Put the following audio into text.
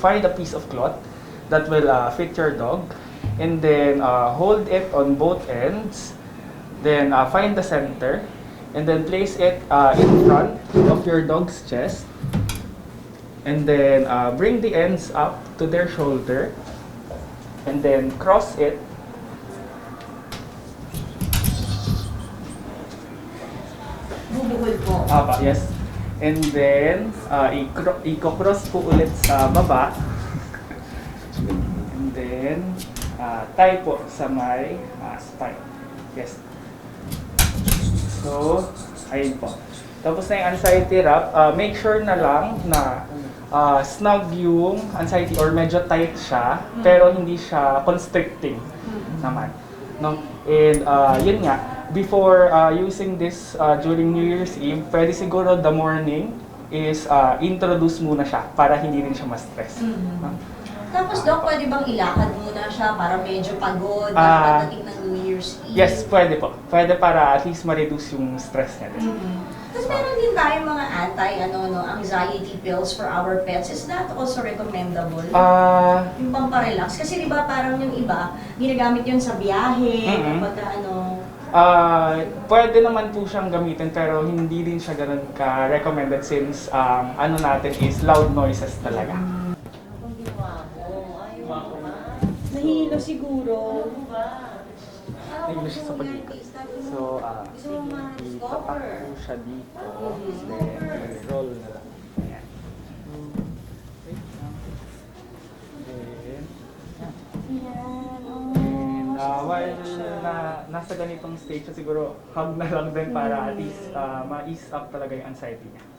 find a piece of cloth that will fit your dog, and then hold it on both ends. Then find the center, and then place it in front of your dog's chest. And then bring the ends up to their shoulder, and then cross it. Bubuhol po. Yes. And then, i-cross po ulit sa baba. And then, tie po sa may spine. Yes. So, ayun po. Tapos na yung anxiety wrap, make sure na lang na snug yung anxiety or medyo tight siya, pero hindi siya constricting naman. No? And yun nga, before using this during New Year's Eve, pwede siguro the morning is introduce muna siya para hindi rin siya ma-stress. Tapos, Doc, pwede bang ilakad muna siya para medyo pagod pagdating ng New Year's Eve? Yes, pwede po. Pwede para at least ma-reduce yung stress niya din. Tapos meron din tayong mga anxiety pills for our pets. Is that also recommendable? Yung pamparelax? Kasi di ba parang yung iba, ginagamit yun sa biyahe, kapag pwede naman po siyang gamitin pero hindi din siya ganun ka-recommended since ano natin is loud noises talaga. Nahilo siguro. Nahilo siya sa pag-ikot. So, itapak po siya dito. Then, roll na lang. Ayan. Then, while nasa ganitong stage, siguro hug na lang din para at least ma-ease up talaga yung anxiety niya.